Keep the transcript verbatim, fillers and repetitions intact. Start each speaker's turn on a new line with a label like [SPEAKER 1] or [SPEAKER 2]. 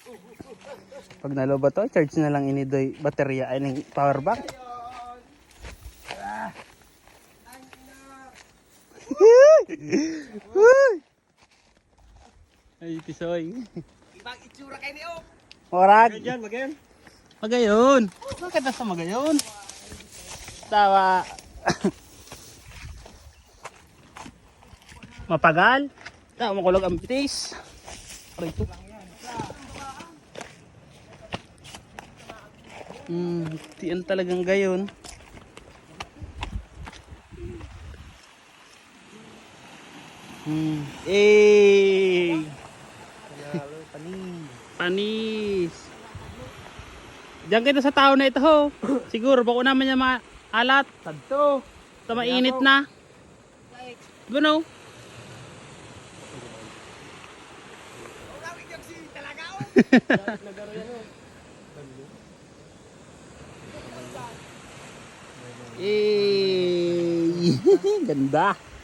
[SPEAKER 1] Pag naloba to, charge na lang ini doy baterya ay ng power bank. Ay, tisoy.
[SPEAKER 2] Ibang itsura kay ni O.
[SPEAKER 1] Orag.
[SPEAKER 2] Diyan, magayon.
[SPEAKER 1] Magayon. Bakit nasa magayon? Tawa. Mapagal. Tawa makulog ang bitis. Aray ito. Hmm, tiyan talagang gayon. Hmm. Eh.
[SPEAKER 2] Panis.
[SPEAKER 1] Panis. Diyan kita sa tao na ito ho. Siguro bako naman niya maalat.
[SPEAKER 2] Tadto.
[SPEAKER 1] Sa mainit na. Gano? Eh. Ganda.